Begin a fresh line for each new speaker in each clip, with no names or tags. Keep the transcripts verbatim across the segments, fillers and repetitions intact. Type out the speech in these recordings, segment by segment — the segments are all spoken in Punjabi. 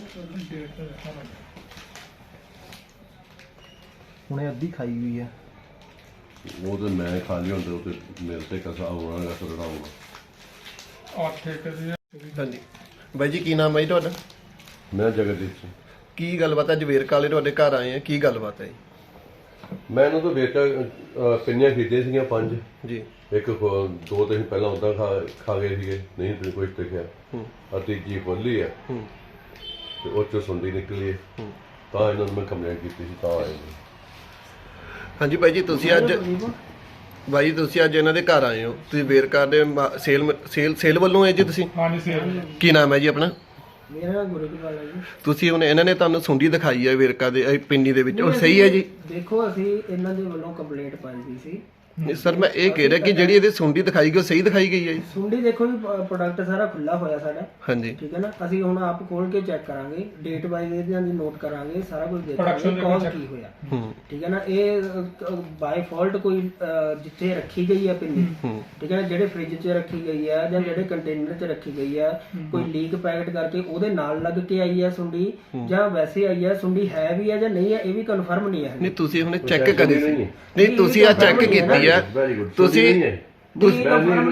ਹੁਣੇ ਅੱਧੀ ਖਾਈ ਹੋਈ ਹੈ।
ਉਹ ਤੇ ਮੈਂ ਖਾ ਲਈ ਹੁੰਦੇ ਉਹ ਤੇ ਮੇਰੇ ਤੇ ਕਸਾ ਹੋਣਾ ਗਾ ਸੜਨਾ ਹੋਣਾ।
ਅੱਠ ਏਕੜ ਦੀ
ਹਾਂਜੀ ਬਾਈ ਜੀ, ਕੀ ਨਾਮ ਹੈ ਜੀ ਤੁਹਾਡਾ?
ਮੈਂ ਜਗਦੀਪ ਸਿੰਘ।
ਕੀ ਗੱਲਬਾਤ ਹੈ? ਅੱਜ ਵੇਰਕਾ ਵਾਲੇ ਤੁਹਾਡੇ ਘਰ ਆਏ ਆ, ਕੀ ਗੱਲਬਾਤ ਹੈ ਜੀ?
ਮੈਂ ਇਹਨਾਂ ਤੋਂ ਵੇਚ ਪਿੰਨੀਆਂ ਖਰੀਦੀਆਂ ਸੀਗੀਆਂ ਪੰਜ
ਜੀ।
ਇੱਕ ਖੋ- ਦੋ ਤੇ ਅਸੀਂ ਪਹਿਲਾਂ ਉੱਦਾਂ ਖਾ ਖਾ ਗਏ ਸੀਗੇ, ਨਹੀਂ ਤੇ ਕੁਛ ਦੇਖਿਆ।
ਹੂੰ
ਆ ਤੀਜੀ ਖੋਲੀ ਆ
ਹੂੰ
ਤੇ ਉਹ ਚੋਂ ਸੁੰਡੀ ਨਿਕਲੀ ਹੈ।
ਹੂੰ।
ਤਾਂ ਇਹਨਾਂ ਨੂੰ ਮੈਂ ਕੰਪਲੇਂਟ ਕੀਤੀ ਸੀ ਤਾਂ ਆਏ ਨੇ।
ਹਾਂਜੀ ਬਾਈ ਜੀ, ਤੁਸੀਂ ਅੱਜ ਬਾਈ ਤੁਸੀਂ ਅੱਜ ਇਹਨਾਂ ਦੇ ਘਰ ਆਏ ਹੋ, ਤੁਸੀਂ ਵੇਰਕਾ ਦੇ ਮਾ- ਸੇਲ ਸੇਲ ਸੇਲ ਵੱਲੋਂ ਹੈ ਜੀ ਤੁਸੀਂ?
ਹਾਂਜੀ ਸੇਲ
ਕੀ ਨਾਮ ਹੈ ਜੀ ਆਪਣਾ?
ਮੇਰਾ ਨਾਮ ਗੁਰੂਦਵਾਲ ਹੈ ਜੀ।
ਤੁਸੀਂ ਹੁਣ ਇਹਨਾਂ ਨੇ ਤੁਹਾਨੂੰ ਸੁੰਡੀ ਦਿਖਾਈ ਹੈ ਵੇਰਕਾ ਦੇ ਇਹ ਪਿੰਡੀ ਦੇ ਵਿੱਚ, ਉਹ ਸਹੀ ਹੈ ਜੀ?
ਦੇਖੋ ਅਸੀਂ ਇਹਨਾਂ ਦੇ ਵੱਲੋਂ ਕੰਪਲੇਂਟ ਪਾਈ ਗਈ ਸੀ।
ਨਹੀਂ ਸਰ, ਮੈਂ ਇਹ ਕਹਿ ਰਿਹਾ ਕਿ ਜਿਹੜੀ ਇਹਦੀ ਸੁੰਡੀ ਦਿਖਾਈ ਗਈ ਉਹ ਸਹੀ ਦਿਖਾਈ ਗਈ ਹੈ ਜੀ?
ਸੁੰਡੀ ਦੇਖੋ ਜੀ, ਪ੍ਰੋਡਕਟ ਸਾਰਾ ਖੁੱਲਾ ਹੋਇਆ ਸਾਡਾ,
ਹਾਂਜੀ
ਠੀਕ ਹੈ ਨਾ। ਅਸੀਂ ਹੁਣ ਆਪ ਖੋਲ ਕੇ ਚੈੱਕ ਕਰਾਂਗੇ, ਡੇਟ ਵਾਈਜ਼ ਇਹਨਾਂ ਦੀ ਨੋਟ ਕਰਾਂਗੇ, ਸਾਰਾ ਕੁਝ ਦੇਖਾਂਗੇ
Production
ਕੌਣ
check-
ਕੀ ਹੋਇਆ,
ਹੂੰ
ਠੀਕ ਹੈ ਨਾ। ਇਹ ਬਾਈ ਫਾਲਟ ਕੋਈ ਅਹ, ਜਿੱਥੇ ਰੱਖੀ ਗਈ ਹੈ ਪਿੰਨੀ,
ਹੂੰ
ਠੀਕ ਹੈ ਨਾ, ਜਿਹੜੇ ਫ੍ਰਿਜ 'ਚ ਰੱਖੀ ਗਈ ਹੈ ਜਾਂ ਜਿਹੜੇ ਕੰਟੇਨਰ 'ਚ ਰੱਖੀ ਗਈ ਹੈ, ਕੋਈ ਲੀਕ ਪੈਕਟ ਕਰਕੇ ਉਹਦੇ ਨਾਲ ਲੱਗ ਕੇ ਆਈ ਹੈ ਸੁੰਡੀ, ਜਾਂ ਵੈਸੇ ਆਈ ਹੈ ਸੁੰਡੀ, ਹੈ ਵੀ ਹੈ ਜਾਂ ਨਹੀਂ ਹੈ ਇਹ ਵੀ ਕਨਫਰਮ ਨਹੀਂ ਹੈ।
ਨਹੀਂ ਤੁਸੀਂ ਹੁਣੇ ਚੈੱਕ ਕਰੀ ਸੀ?
ਨਹੀਂ।
ਨਹੀਂ ਤੁਸੀਂ ਆ ਚੈੱਕ ਕੀਤੀ ਹੈ?
Very good.
ਤੁਸੀਂ
ਤੁਸੀਂ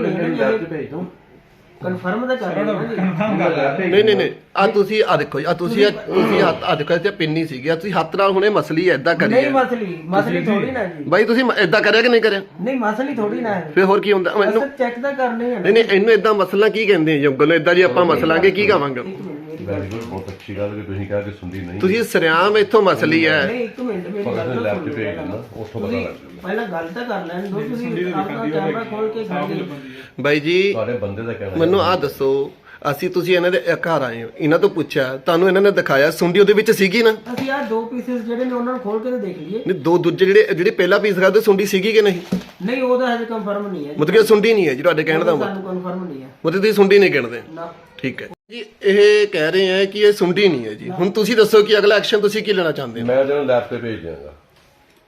ਕਨਫਰਮ ਤਾਂ ਕਰ ਰਹੇ ਹੋ ਨਾ ਜੀ।
ਨਹੀਂ ਨਹੀਂ ਨਹੀਂ ਆ ਤੁਸੀਂ ਆ ਦੇਖੋ ਜੀ, ਆ ਤੁਸੀਂ ਆ ਤੁਸੀਂ ਹੱਥ ਆ ਦੇਖੋ ਇੱਥੇ ਪਿੰਨੀ ਸੀਗੀ, ਆ ਤੁਸੀਂ ਹੱਥ ਨਾਲ ਹੁਣੇ ਮਸਲੀ ਐਦਾਂ ਕਰੀ
ਨਹੀਂ
ਹੈ
ਮਸਲੀ ਮਸਲੀ ਥੋੜੀ ਨਾ ਜੀ।
ਬਾਈ ਤੁਸੀਂ ਐਦਾਂ ਕਰਿਆ ਕਿ ਨਹੀਂ ਕਰਿਆ?
ਨਹੀਂ ਮਸਲੀ ਥੋੜੀ ਨਾ ਹੈ,
ਫਿਰ ਹੋਰ ਕੀ ਹੁੰਦਾ ਮੈਨੂੰ?
ਅਸਲ ਚੈੱਕ ਤਾਂ ਕਰਨੇ ਹੈ ਨਾ।
ਨਹੀਂ ਨਹੀਂ ਇਹਨੂੰ ਐਦਾਂ ਮਸਲਾ ਕੀ ਕਹਿੰਦੇ ਆ ਜੰਗਲ ਨੂੰ? ਐਦਾਂ ਜੀ ਆਪਾਂ ਮਸਲਾਂਗੇ ਕੀ ਕਹਾਂਗੇ?
ਵੈਰੀ ਗੁੱਡ, ਬਹੁਤ ਅੱਛੀ ਗੱਲ ਕਿ ਤੁਸੀਂ ਕਿਹਾ ਕਿ ਸੁੰਡੀ ਨਹੀਂ।
ਤੁਸੀਂ ਸਰਿਆਮ ਇੱਥੋਂ ਮਸਲੀ ਹੈ।
ਨਹੀਂ ਇੱਕ ਮਿੰਟ ਮੇਰੀ
ਪਰ
ਗੱਲ
ਅਸੀਂ
ਤਾਂ
ਲੈਬ
ਸੁਣੋ
ਤੇ ਭੇਜ ਦੇਣਾ, ਉੱਥੋਂ ਪਤਾ
ਤੁਸੀਂ
ਲੱਗ ਜਾਊਗਾ।
ਪਹਿਲਾਂ ਗੱਲ ਤਾਂ ਕਰ ਲੈਣ ਦਿਓ, ਤੁਸੀਂ ਆਪਣਾ ਕੈਮਰਾ ਖੋਲ ਕੇ ਖਾਗੇ।
ਬਾਈ ਜੀ
ਤੁਹਾਡੇ ਬੰਦੇ ਦਾ ਕਹਿਣਾ
ਮੈਨੂੰ ਆ ਦੱਸੋ, ਅਸੀਂ ਤੁਸੀਂ ਇਹਨਾਂ ਦੇ ਘਰ ਆਏ ਹੋ, ਇਹਨਾਂ ਤੋਂ ਪੁੱਛਿਆ, ਤੁਹਾਨੂੰ ਇਹਨਾਂ ਨੇ ਦਿਖਾਇਆ ਸੁੰਡੀ ਉਹਦੇ ਵਿੱਚ ਸੀਗੀ ਨਾ?
ਅਸੀਂ ਆ ਦੋ ਪੀਸਸ ਜਿਹੜੇ ਨੇ ਉਹਨਾਂ ਨੂੰ ਖੋਲ ਕੇ ਤਾਂ ਦੇਖ ਲਈਏ।
ਨਹੀਂ ਦੋ ਦੂਜੇ ਜਿਹੜੇ ਜਿਹੜੇ ਪਹਿਲਾ ਪੀਸ ਕਰਦੇ ਸੁੰਡੀ ਸੀਗੀ ਕਿ ਨਹੀਂ?
ਨਹੀਂ ਉਹਦਾ ਹਜੇ ਕਨਫਰਮ ਨਹੀਂ ਹੈ ਜੀ।
ਮਤਲਬ ਕਿ ਸੁੰਡੀ ਨਹੀਂ ਹੈ ਜੀ ਤੁਹਾਡੇ ਕਹਿਣ ਦਾ ਮਤਲਬ?
ਸਾਨੂੰ ਕਨਫਰਮ ਨਹੀਂ ਹੈ
ਮਤਲਬ ਤੁਸੀਂ ਸੁੰਡੀ ਨਹੀਂ ਗਿਣਦੇ?
ਨਾ।
ਠੀਕ ਹੈ ਜੀ, ਇਹ ਕਹਿ ਰਹੇ ਹੈ ਕਿ ਇਹ ਸੁੰਡੀ ਨਹੀਂ ਹੈ ਜੀ। ਹੁਣ ਤੁਸੀਂ ਦੱਸੋ ਕਿ ਅਗਲਾ ਐਕਸ਼ਨ ਤੁਸੀਂ ਕੀ ਲੈਣਾ ਚਾਹੁੰਦੇ ਹੋ?
ਮੈਂ ਜਿਹਨੂੰ ਲੈਬ ਤੇ ਭੇਜ ਦਿਆਂਗਾ।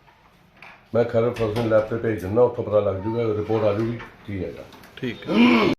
ਮੈਂ ਖਰੜ ਫਰਸਨ ਲੈਬ ਤੇ ਭੇਜ ਦਿੰਦਾ, ਉੱਥੋਂ ਪਤਾ ਲੱਗ ਜੂਗਾ, ਰਿਪੋਰਟ ਆ ਜੂਗੀ ਕੀ ਹੈਗਾ।
ਠੀਕ ਹੈ।